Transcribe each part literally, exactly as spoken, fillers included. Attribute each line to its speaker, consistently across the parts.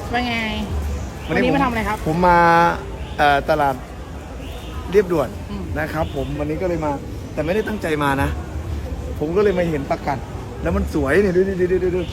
Speaker 1: ว่าไง
Speaker 2: วั
Speaker 1: วัน น
Speaker 2: นี้
Speaker 1: นี้
Speaker 2: ผม
Speaker 1: มาทำอะไรครับ
Speaker 2: ผมมาเอ่อตลาดเรียบด่วน
Speaker 1: อืม
Speaker 2: นะครับ ผมวันนี้ก็เลยมา แต่ไม่ได้ตั้งใจมานะ ผมก็เลยมาเห็นประกัดแล้วมันสวยเนี่ยดูดูดูดูดู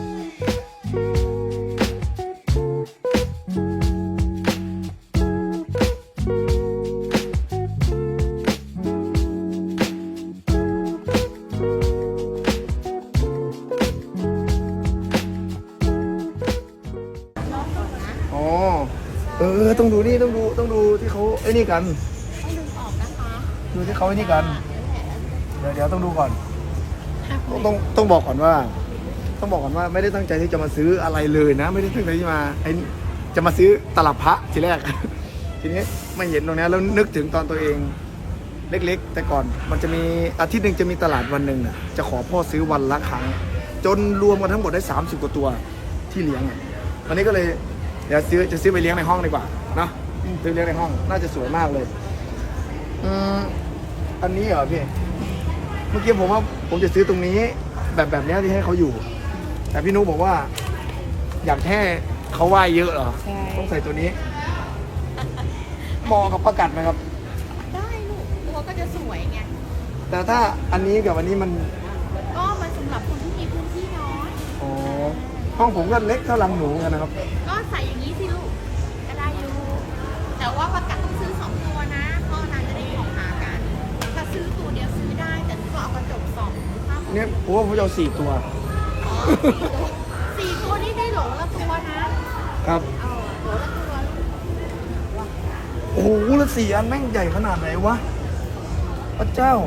Speaker 2: อ๋อเออต้องดูนี่ต้องดูต้องดูที่เขาไอ้นี่กัน
Speaker 3: ต้องดึงออกนะคะ
Speaker 2: ดูที่เขาไอ้นี่กัน
Speaker 3: นั่นแหละ
Speaker 2: เดี๋ยวเดี๋ยวต้องดูก่อน ต้องต้องต้องบอกก่อนว่า ต้องบอกก่อนว่าไม่ได้ตั้งใจที่จะมาซื้ออะไรเลยนะ ไม่ได้ตั้งใจที่มาไอ้จะมาซื้อตลับพระทีแรก ทีนี้ไม่เห็นตรงนี้แล้วนึกถึงตอนตัวเองเล็กๆ แต่ก่อนมันจะมีอาทิตย์หนึ่งจะมีตลาดวันหนึ่งน่ะจะขอพ่อซื้อวันละครั้ง จนรวมกันทั้งหมดได้สามสิบกว่าตัวที่เลี้ยงอ่ะวันนี้ก็เลยเดี๋ยวซื้อจะซื้อไปเลี้ยงในห้องดีกว่าเนาะซื้อเลี้ยงในห้องน่าจะสวยมากเลยอืมอันนี้เหรอพี่ เมื่อกี้ผมว่าผมจะซื้อตรงนี้แบบแบบนี้ที่ให้เขาอยู่ แต่พี่นุ๊กบอกว่า อยากแค่เขาไหว้เยอะเหรอ
Speaker 1: ใช่
Speaker 2: ต้องใส่ตัวนี้เหมาะกับประกัดไหมครับ
Speaker 3: ได้ลูกตัวก็จะสวยไง
Speaker 2: แต่ถ้าอันนี้กับอันนี้มัน
Speaker 3: ก็มันสำหรับคนที่มีพื้นที่น้อย
Speaker 2: อ๋อห้องผมก็เล็กเท่าลังหนูกันนะครับ
Speaker 3: ก็ใส่อย่างนี้สิลูกก็ได้อยู่แต่ว่าประกัดต้องซื้อสองตัวนะเพราะนานจะได้ของหากันถ้าซื้อตัวเดียวซื้อได้แต่หนูก็เอากระจกส่องภาพ
Speaker 2: เนี่ยผมว่าผมจะเอาสี่ตัว
Speaker 3: อ๋อสี่ตัวสี่ตัวนี่ได้โหลละตัวนะครับ เออโหลละตัวลูก
Speaker 2: โอ้โหแล้วสี่อันแม่งใหญ่ขนาดไหนวะพระเจ้า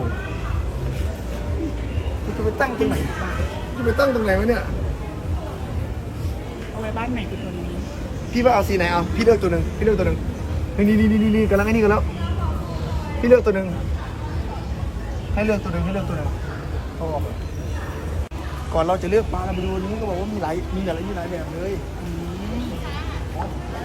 Speaker 2: จะไปตั้งตรงไหนจะไปตั้งตรงไหนวะเนี่ย
Speaker 1: เอาไว้บ้านใหม่คือตัวนี้
Speaker 2: พี่ว่าเอาสีไหนเอาพี่เลือกตัวหนึ่งพี่เลือกตัวหนึ่งนี่นี่นี่นี่นี่กำลังไอ้นี่กันแล้วพี่เลือกตัวหนึ่งให้เลือกตัวหนึ่งให้เลือกตัวหนึ่งเอาออกก่อนเราจะเลือกปลาเราไปดูนี้ก็บอกว่ามีหลายมีหลายมีหลายแบบเลยอ๋อ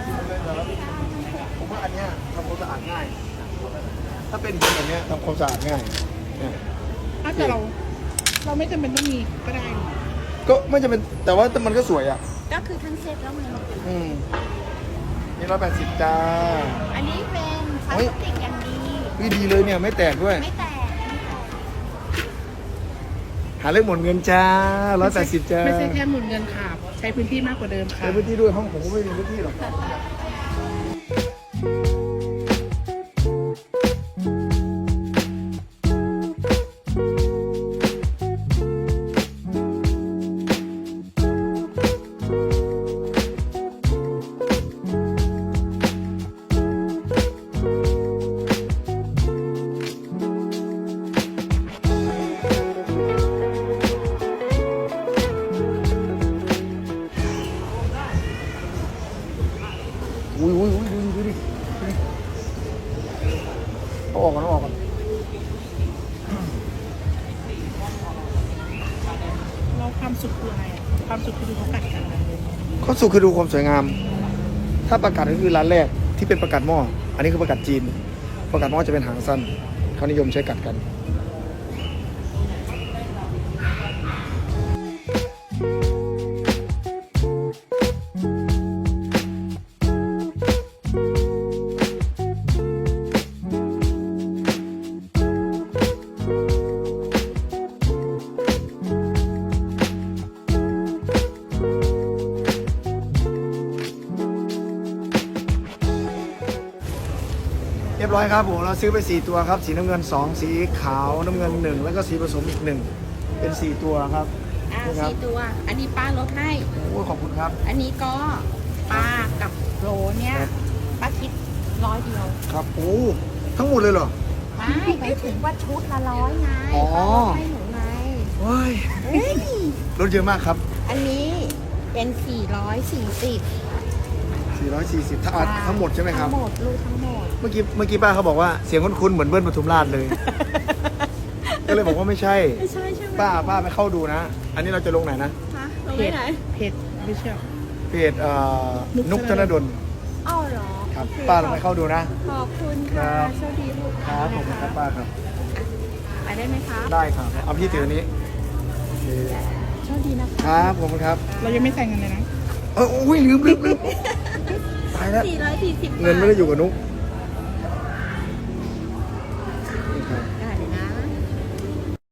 Speaker 2: ผมว่าอันเนี้ยทำความสะอาดง่าย ถ้าเป็นหินแบบเนี้ยทำความสะอาดง่ายเนี่ย
Speaker 1: ถ้าแต่เรา เราไม่จำเป็นต้องมีก็ได้หรอก
Speaker 2: ก็ไม่จำเป็นแต่ว่ามันก็สวยอ่ะ
Speaker 3: ก็คือทั้งเซตแล้วไง
Speaker 2: อืมนี่ร้อยแปดสิบจ้า
Speaker 3: อันนี้เป็นพลาสติกอย่างดี
Speaker 2: วิดีเลยเนี่ยไม่แตกด้วย
Speaker 3: ไม่แตกไม่แตก
Speaker 2: หาเรื่องหมดเงินจ้าร้อยแปดสิบจ้า
Speaker 1: ไม่ใช่แค่หมุนเงินค่ะใช้พื้นที่มากกว่าเดิมค่ะ
Speaker 2: ใช้พื้นที่ด้วยห้องผมก็ไม่มีพื้นที่หรอกอุ้ยอุ้ยอุ้ยดูดิดูดิดูดิเอาออกก่อนเอาออกก่อน
Speaker 1: เราความสุขคืออะไรอะความสุขคือดูเขากัดกันนะ
Speaker 2: ข้อสุดคือดูความสวยงาม ถ้าประกาศก็คือร้านแรกที่เป็นประกาศหม้ออันนี้คือประกาศจีน ประกาศหม้อจะเป็นหางสั้นเขานิยมใช้กัดกัน เรียบร้อยครับผมเราซื้อไปสี่ตัวครับสีน้ำเงินสองสีขาวน้ำเงินหนึ่งแล้วก็สีผสมอีกหนึ่งเป็นสี่ตัวครับ
Speaker 3: อ่า
Speaker 2: นี่ครับ
Speaker 3: สี่ตัว อันนี้ป้าลดให้
Speaker 2: โอ้ยขอบคุณครับ
Speaker 3: อันนี้ก็ปลากับโรเนี่ย
Speaker 2: ครับ
Speaker 3: ป้าคิดร้อยเดียว
Speaker 2: ครับโอ้ทั้งหมดเลยเหรอ
Speaker 3: ไม่ไปถึงว่าชุดละร้อยไง
Speaker 2: อ๋อ
Speaker 3: ป้าลดให้หนูไง
Speaker 2: ว้าย
Speaker 3: เฮ้ย
Speaker 2: รถเยอะมากครับ
Speaker 3: อันนี้เป็นสี่ร้อยสี่สิบ
Speaker 2: สี่ร้อยสี่สิบทั้งอันทั้งหมดใช่ไหมครับ
Speaker 3: ทั้งหมดลูกทั้งหมด
Speaker 2: เมื่อกี้เมื่อกี้ป้าเขาบอกว่าเสียงคุ้นๆเหมือนเบิ้ลปทุมราชเลย ก็เลยบอกว่าไม่ใช่
Speaker 3: ไม่ใช่ใช่ไหม
Speaker 2: ป้าป้าไปเข้าดูนะ อันนี้เราจะลงไหนนะ
Speaker 3: ฮะลง
Speaker 1: เพ
Speaker 3: ไป
Speaker 1: จ
Speaker 3: ไหน
Speaker 1: เพจไม่เชื่อ
Speaker 2: เพจเอ่อ
Speaker 1: นุ
Speaker 2: นุ
Speaker 1: ก
Speaker 2: ก
Speaker 1: ธ
Speaker 2: ธ
Speaker 1: น
Speaker 2: น
Speaker 1: ด
Speaker 2: ด
Speaker 1: ล
Speaker 2: ล
Speaker 3: อ้าวเหรอ
Speaker 2: ครับ
Speaker 3: โอเ
Speaker 2: ป้าลองไปเข้าดูนะ
Speaker 3: ขอบคุณค่ะ
Speaker 2: ครับ
Speaker 3: โชคดีลูก
Speaker 2: ครับผมครับป้าครับ
Speaker 3: ไปได้ไหมคะ
Speaker 2: ได้ครับเอาพี่ถืออันนี้โอเค
Speaker 3: โชคดีนะคะ
Speaker 2: ครับผมครับ
Speaker 1: เรายังไม่ใส่เงินเลยนะ
Speaker 2: เอออุ้ยลืมลืมลืมตายแล้ว
Speaker 3: สี่ร้อยสี่สิบ
Speaker 2: เงินไม่ได้อยู่กับนุ๊ก